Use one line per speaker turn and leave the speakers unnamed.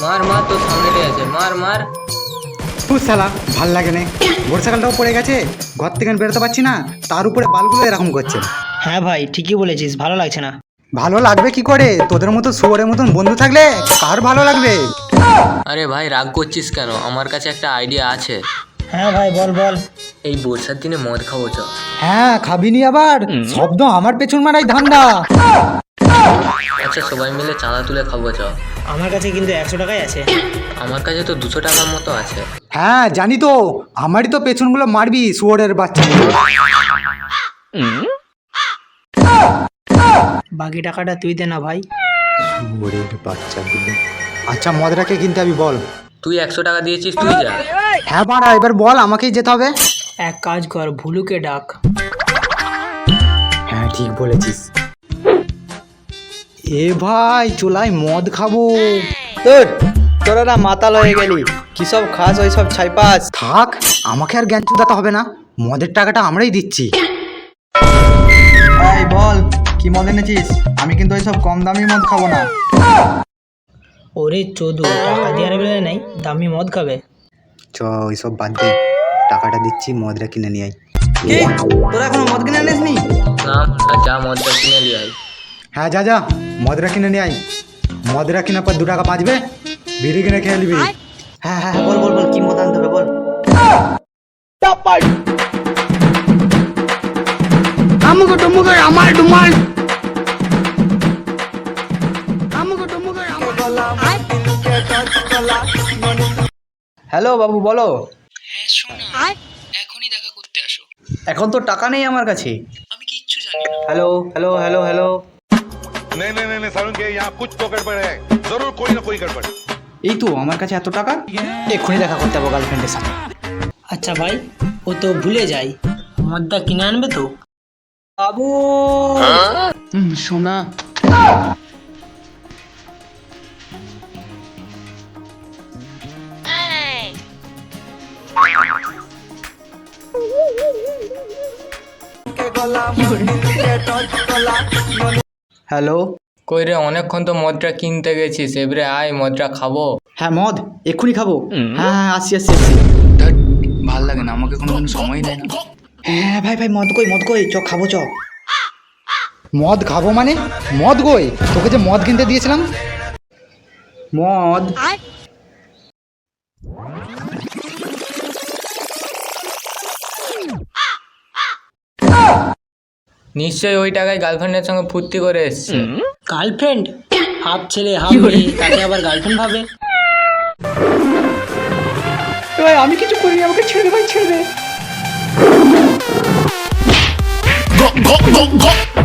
মার মার, তোর সামনে আছে, মার মার।
শালা ভাল লাগে না, বর্ষাকালটাও পড়ে গেছে, ঘর থেকে বেরোতে পারছি না, তার উপরে বালগুলো এরকম করছে।
হ্যাঁ ভাই ঠিকই বলেছিস, ভালো লাগছে না।
ভালো লাগবে কি করে? তোদের মতো শুয়োরের মতন বন্ধু থাকলে কার ভালো লাগবে?
আরে ভাই রাগ করছিস কেন? আমার কাছে একটা আইডিয়া আছে।
হ্যাঁ ভাই বল বল।
এই বর্ষার দিনে মদ খাবো চ।
হ্যাঁ খাবিনি আবার? শব্দ আমার পেছন মারাই ধান্দা।
আচ্ছা সবাই মিলে চাঁদা তুলে খাবো চ।
আমার কাছে কিন্তু 100 টাকাই আছে।
আমার কাছে তো 200 টাকার মতো আছে।
হ্যাঁ জানি তো, আমারই তো পেছনগুলো মারবি শুয়োরের বাচ্চা।
বাকি টাকাটা তুই দে না ভাই।
শুয়োরের বাচ্চাগুলো। আচ্ছা মদরাকে কিনতে আমি বল।
তুই 100 টাকা দিয়েছিস, তুই যা।
হ্যাঁ বাড়া, এবার বল আমাকেই যেতে হবে।
এক কাজ কর, ভুলুকে ডাক।
হ্যাঁ ঠিক বলেছিস। এ ভাই চলাই মদ খাবো।
তোরা না মাতাল হয়ে গেলি, কি সব খাস ওই সব ছাইপাস।
থাক, আমাকে আর জ্ঞান চুদাতে হবে না, মদের টাকাটা আমরাই দিচ্ছি।
এই বল কি মদ এনেছিস? আমি কিন্তু ওই সব কম দামি মদ খাবো না।
ওরে চোদু, টাকা দেওয়ার বেলা নাই, দামি মদ খাবে।
চ ওইসব বাদ দে, টাকাটা দিচ্ছি, মদটা কিনে নিয়ে আয়।
কি তোরা এখনো মদ কিনে আনিসনি?
না যা, মদটা কিনে নিয়ে আয়।
হ্যাঁ যা যা, মদরা কিনে নিয়ে আয়। মদরা কেনার পর 2 টাকা বাঁচবে, বিড়ি কিনে খেয়ে নিবি।
হ্যাঁ হ্যাঁ বল বল বল, কি মদ আনতে হবে বল।
আমুকো টুমুকো আমার ডুমাল।
হ্যালো বাবু বলো।
হ্যাঁ শোনা, এখনই দেখা করতে আসো।
এখন তো টাকা নেই আমার কাছে।
আমি কিচ্ছু জানি না।
Hello hello hello hello.
नहीं नहीं नहीं सारुण के यहाँ कुछ तो गड़बड़ है, जरूर कोई ना कोई गड़बड़।
এই তো আমার কাছে এত টাকা, এক্ষুনি দেখা করতে হবে গার্লফ্রেন্ডের সাথে।
আচ্ছা ভাই, ও তো ভুলে যাই, মদটা কিনে আনবে তো?
বাবু
শোনা,
হ্যালো।
কই রে, অনেকক্ষণ তো মদটা কিনতে গেছিস, এবারে আয় মদটা খাবো।
হ্যাঁ মদ এক্ষুনি খাবো। হ্যাঁ হ্যাঁ আসছি আসছি আসছি।
ভাল লাগে না, আমাকে কোনোদিন সময় দেয় না।
হ্যাঁ ভাই ভাই মদ কই চ খাবো চ।
মদ খাবো মানে? মদ গই, তোকে যে মদ কিনতে দিয়েছিলাম।
মদ
নিশ্চয়ই ওই টাকায় গার্লফ্রেন্ডের সঙ্গে ফুর্তি করে এসছে।
গার্লফ্রেন্ড? হাফ ছেলে হাফ মেয়ে, তাকে আবার গার্লফ্রেন্ড ভাবে?
ভাই আমি কিছু করিনি, আমাকে ছেড়ে দে ভাই, ছেড়ে দে।